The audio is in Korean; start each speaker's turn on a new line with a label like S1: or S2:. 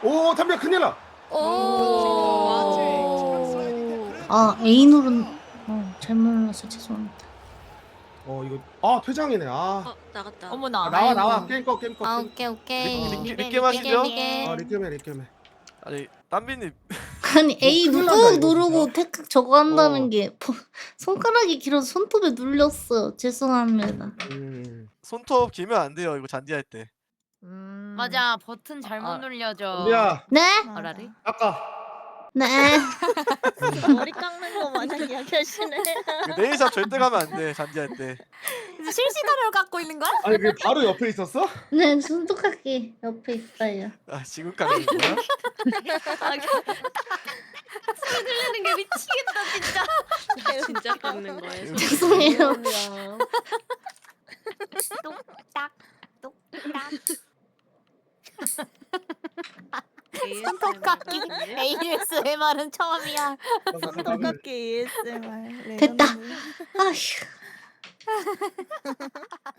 S1: 오 담배 큰일 나.
S2: 아 A 누른 잘못 눌렀어 죄송합니다.
S1: 이거 퇴장이네.
S3: 나갔다.
S4: 어머나.
S1: 나와
S4: 아이고.
S1: 게임 꺼 게임 꺼.
S2: 오케이 오케이.
S5: 리게 마시죠?
S1: 리게메.
S5: 아니 땀비님
S2: 아니 A
S1: 큰일 난다,
S2: 꾹
S1: 이거
S2: 누르고
S1: 진짜.
S2: 테크 저거 한다는 게 손가락이 길어서 손톱에 눌렸어요. 죄송합니다.
S5: 손톱 길면 안 돼요. 이거 잔디할 때.
S4: 맞아 버튼 잘못 눌려져.
S1: 담배야
S2: 네?
S4: 어라리?
S1: 아까
S2: 네.
S3: 머리 깎는 거 마냥 이야기하시네.
S5: 이거 네일샵 절대 가면 안 돼. 잔디할 때.
S4: 실시간으로 갖고 있는 거야?
S1: 아니 그 바로 옆에 있었어?
S2: 네 손톱깎이 옆에 있어요.
S5: 아 지금 가는 거야?
S3: 소리 들리는 게 미치겠다 진짜. 진짜 깎는 거야.
S2: 죄송해요.
S4: 똑딱 똑딱.
S3: 손톱 깎기.
S4: ASMR은 처음이야.
S3: 손톱 깎기 ASMR.
S2: 됐다. 아휴.